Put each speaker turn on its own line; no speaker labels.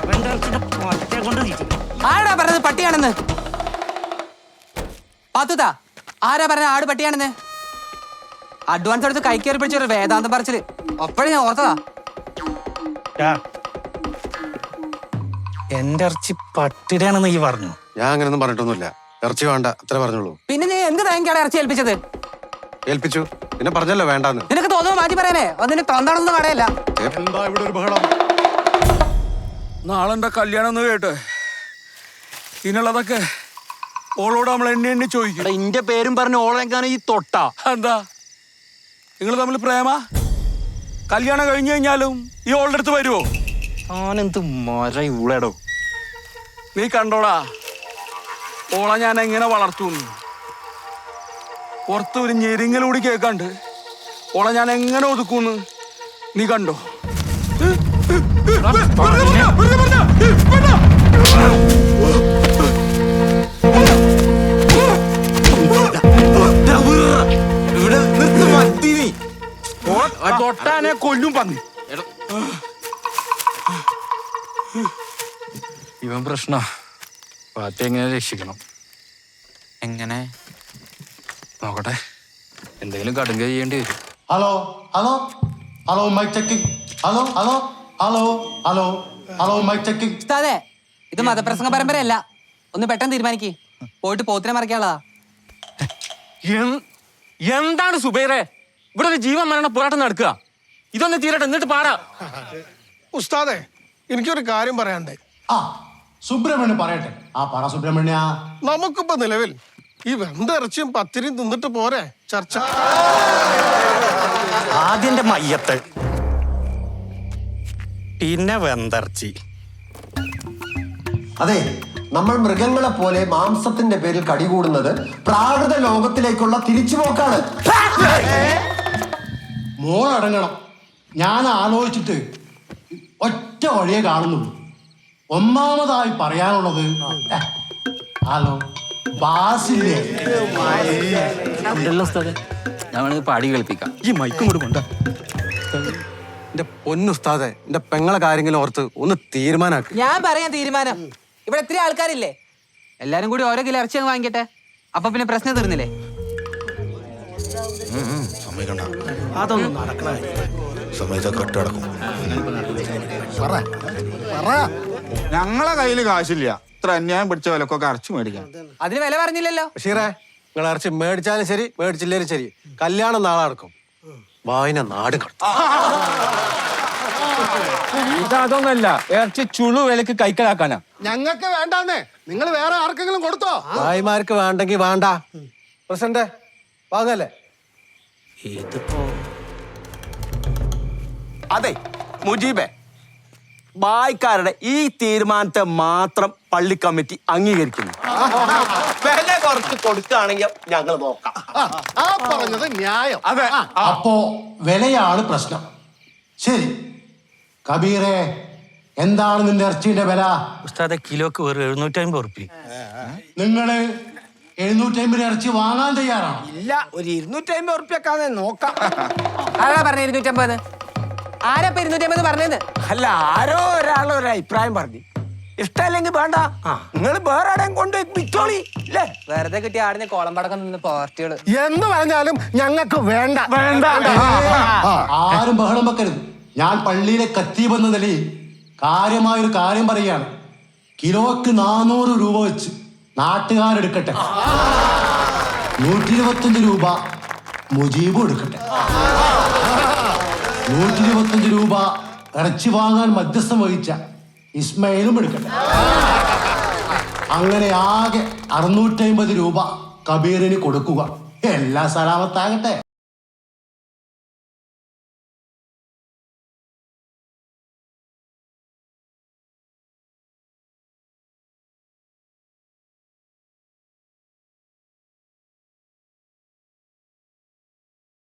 ആരാ പറഞ്ഞത് പട്ടിയാണെന്ന്? പാത്തുതാ, ആരാ പറഞ്ഞത് ആട് പട്ടിയാണെന്ന്? അഡ്വാൻസ് എടുത്ത് കൈ കയറി പിടിച്ചൊരു വേദാന്തം പറച്ചില് അപ്പോഴും ഞാൻ ഓർത്തതാ.
എന്റെ ഇറച്ചി പട്ടിയുടെയാണെന്ന് ഈ പറഞ്ഞു.
ഞാൻ അങ്ങനെയൊന്നും പറഞ്ഞിട്ടൊന്നുമില്ല. ഇറച്ചി വേണ്ട അത്ര പറഞ്ഞോളൂ.
പിന്നെ നീ എന്ത് തേങ്ങയാണ് ഇറച്ചി ഏൽപ്പിച്ചത്?
ഏൽപ്പിച്ചു, പിന്നെ പറഞ്ഞല്ലോ വേണ്ടാന്ന്.
നിനക്ക് തോന്നുന്നു മാറ്റി പറയാനേ, അതിന് തൊണ്ടാണെന്ന് കടയല്ല.
എന്താ ഇവിടെ ഒരു ബഹളം?
നാളെ എന്റെ കല്യാണം ഒന്ന് കേട്ടെ, ഇതിനുള്ളതൊക്കെ ഓളോട് നമ്മൾ എണ്ണി എണ്ണി ചോദിക്കും.
ഇന്റെ പേരും പറഞ്ഞ് ഓളെങ്കാണ് ഈ തൊട്ട.
എന്താ നിങ്ങൾ തമ്മിൽ പ്രേമ? കല്യാണം കഴിഞ്ഞു കഴിഞ്ഞാലും ഈ ഓളുടെ അടുത്ത് വരുവോ?
ആനെന്ത് മര ഇവിടെടോ.
നീ കണ്ടോടാ ഓളെ ഞാൻ എങ്ങനെ വളർത്തുന്നു. പുറത്ത് ഒരു ഞെരിങ്ങലൂടി കേൾക്കാണ്ട് ഓളെ ഞാൻ എങ്ങനെ ഒതുക്കുന്നു നീ കണ്ടോ?
തൊട്ടാനെ കൊല്ലും പന്നി. ഇവൻ പ്രശ്ന പാത്തി എങ്ങനെ രക്ഷിക്കണം?
എങ്ങനെ
നോക്കട്ടെ, എന്തെങ്കിലും കടുങ്ക ചെയ്യേണ്ടി വരും.
Hello hello hello mike checking. Hello hello hello hello hello mike checking.
ഉസ്താദേ, ഇത് മതപ്രസംഗ പരമ്പരയല്ല. ഒന്ന് പെട്ടെന്ന് തീരുമാനിക്ക്. പോയിട്ട് പോത്തിനെ മറിക്കാനുള്ളതാ.
എന്താണ് സുബൈറെ ഇവിടെ ഒരു ജീവൻ മരണ പോരാട്ടം നടക്കുക? ഇതൊന്ന് തീരട്ടെ, എന്നിട്ട് പാടാ.
ഉസ്താദേ, എനിക്കൊരു കാര്യം പറയാണ്ടേ.
ആ സുബ്രഹ്മണ്യൻ പറയട്ടെ. ആ പറ സുബ്രഹ്മണ്യ.
നമുക്കിപ്പോ നിലവിൽ ഈ വെന്തിറച്ചിയും പത്തിരിയും തിന്നിട്ട് പോരെ ചർച്ച?
ആദ്യന്റെ മയ്യത്ത്, പിന്നെ വെന്തർച്ചി.
അതെ, നമ്മൾ മൃഗങ്ങളെ പോലെ മാംസത്തിന്റെ പേരിൽ കടികൂടുന്നത് പ്രാകൃത ലോകത്തിലേക്കുള്ള തിരിച്ചുപോക്കാണ്.
മോളടങ്ങണം. ഞാൻ ആലോചിച്ചിട്ട് ഒറ്റ വഴിയെ കാണുന്നുള്ളൂ. ഒന്നാമതായി പറയാനുള്ളത് ഹലോ ബാസില്ലേ.
ഞങ്ങൾ പാടി കേൾപ്പിക്കാം.
ഈ മൈക്കും കൂടി കൊണ്ട. എന്റെ പൊന്നുസ്താദെ, എന്റെ പെങ്ങളെ കാര്യങ്ങളും ഓർത്ത് ഒന്ന് തീരുമാനാക്കി.
ഞാൻ പറയാൻ തീരുമാനം. ഇവിടെ എത്ര ആൾക്കാരില്ലേ? എല്ലാരും കൂടി ഓരോ കിലോ ഇറച്ചി അങ്ങ് വാങ്ങിക്കട്ടെ. അപ്പൊ പിന്നെ പ്രശ്നം തീർന്നില്ലേ?
അതൊന്നും നടക്കണ സമയത്ത് കെട്ടടക്കും.
ഞങ്ങളെ കയ്യിൽ കാശില്ല ഇത്ര അന്യായം പിടിച്ച വിലക്കൊക്കെ അരച്ചു മേടിക്കാൻ.
അതിന് വില പറഞ്ഞില്ലല്ലോ.
ബഷീറേ, നിങ്ങൾ ഇറച്ചി മേടിച്ചാലും ശരി മേടിച്ചില്ലേലും ശരി, കല്യാണം നാളെ നടക്കും. വായന നാട് കടത്തും.
ഇതൊന്നല്ല, ഇറച്ചി ചുളു വിലക്ക് കൈക്കലാക്കാനാ.
ഞങ്ങൾക്ക് വേണ്ടാന്നേ, നിങ്ങൾ വേറെ ആർക്കെങ്കിലും കൊടുത്തോ?
ഭായിമാർക്ക് വേണ്ടെങ്കിൽ വേണ്ട. പ്രസിഡന്റ് വാങ്ങല്ലേ?
അതെ മുജീബെ, ബായ്ക്കാരുടെ ഈ തീരുമാനത്തെ മാത്രം പള്ളി കമ്മിറ്റി അംഗീകരിക്കുന്നു. വില കുറച്ച് കൊടുക്കുകയാണെങ്കിൽ ഞങ്ങൾ നോക്കാം.
ആ പറഞ്ഞത് ന്യായം.
അതെ.
അപ്പോ വിലയാണ് പ്രശ്നം. ശരി കബീറെ, എന്താണ് നിന്റെ ഇറച്ചിയുടെ വില?
ഉസ്താദെ, കിലോക്ക് വെറും 750 ഉറുപ്പിക.
നിങ്ങള് 750 ഇറച്ചി വാങ്ങാൻ തയ്യാറാണ്?
ഇല്ല, ഒരു 250 ഉറുപ്പ്യക്കാതെ നോക്കാം.
ആരാ പറഞ്ഞ 250? ആരാ 250 പറഞ്ഞത്?
അല്ല, ആരോ ഒരാൾ ഒരു അഭിപ്രായം പറഞ്ഞു. ഇഷ്ടമല്ലെങ്കിൽ വേണ്ട, നിങ്ങൾ വേറെ ആടെയും കൊണ്ട് വിറ്റോളി അല്ലേ?
വെറുതെ കിട്ടിയ ആടിന് കോളം പടക്കം നിന്ന് പാർട്ടികള്
എന്ന് പറഞ്ഞാലും ഞങ്ങൾക്ക് വേണ്ട.
ആരും ബഹളം വെക്കരുത്. ഞാൻ പള്ളിയിലെ ഖത്തീബ് എന്ന നിലയിൽ കാര്യമായൊരു കാര്യം പറയുകയാണ്. കിലോക്ക് 400 രൂപ വെച്ച് നാട്ടുകാരെടുക്കട്ടെ. 125 രൂപ മുജീബും എടുക്കട്ടെ. 125 രൂപ ഇറച്ചി വാങ്ങാൻ മധ്യസ്ഥം വഹിച്ച ഇസ്മയിലും എടുക്കട്ടെ. അങ്ങനെ ആകെ 650 രൂപ കബീറിന് കൊടുക്കുക. എല്ലാം സലാമത്താകട്ടെ.